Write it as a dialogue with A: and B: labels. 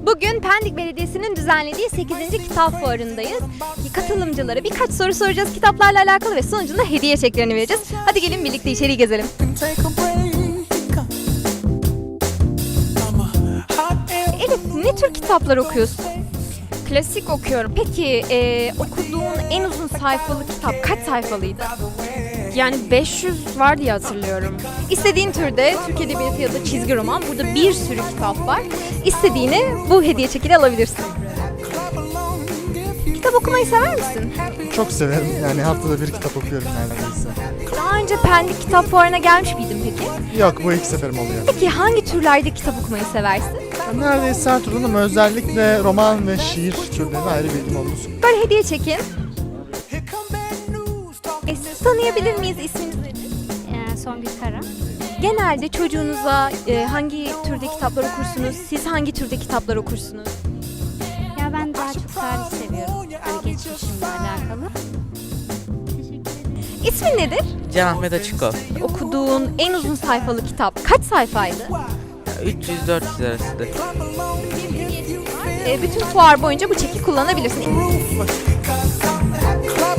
A: Bugün Pendik Belediyesi'nin düzenlediği 8. Kitap Fuarı'ndayız. Katılımcılara birkaç soru soracağız kitaplarla alakalı ve sonucunda hediye çeklerini vereceğiz. Hadi gelin birlikte içeriği gezelim. Elif, ne tür kitaplar okuyorsun?
B: Klasik okuyorum.
A: Peki okuduğun en uzun sayfalı kitap kaç sayfalıydı?
B: Yani 500 var diye hatırlıyorum.
A: İstediğin türde Türk Edebiyatı ya da çizgi roman. Burada bir sürü kitap var. İstediğini bu hediye çekili alabilirsin. Kitap okumayı sever misin?
C: Çok severim. Yani haftada bir kitap okuyorum neredeyse.
A: Daha önce Pendik Kitap Fuarı'na gelmiş miydin peki?
C: Yok, bu ilk seferim oluyor.
A: Peki hangi türlerde kitap okumayı seversin?
C: Ben neredeyse her türden ama özellikle roman ve şiir türlerine ayrı bir ilgim olduğunu söylüyorum.
A: Böyle hediye çekin. Siz tanıyabilir miyiz? İsminiz nedir?
D: Songül Kara.
A: Genelde çocuğunuza hangi türde kitaplar okursunuz? Siz hangi türde kitaplar okursunuz?
D: Ya ben daha çok tarih seviyorum. Hani geçmişimle alakalı. Teşekkür ederim.
A: İsmin nedir?
E: Can Ahmet Açıkol.
A: Okuduğun en uzun sayfalı kitap kaç sayfaydı?
E: 300-400 arasında.
A: Bütün fuar boyunca bu çeki kullanabilirsin.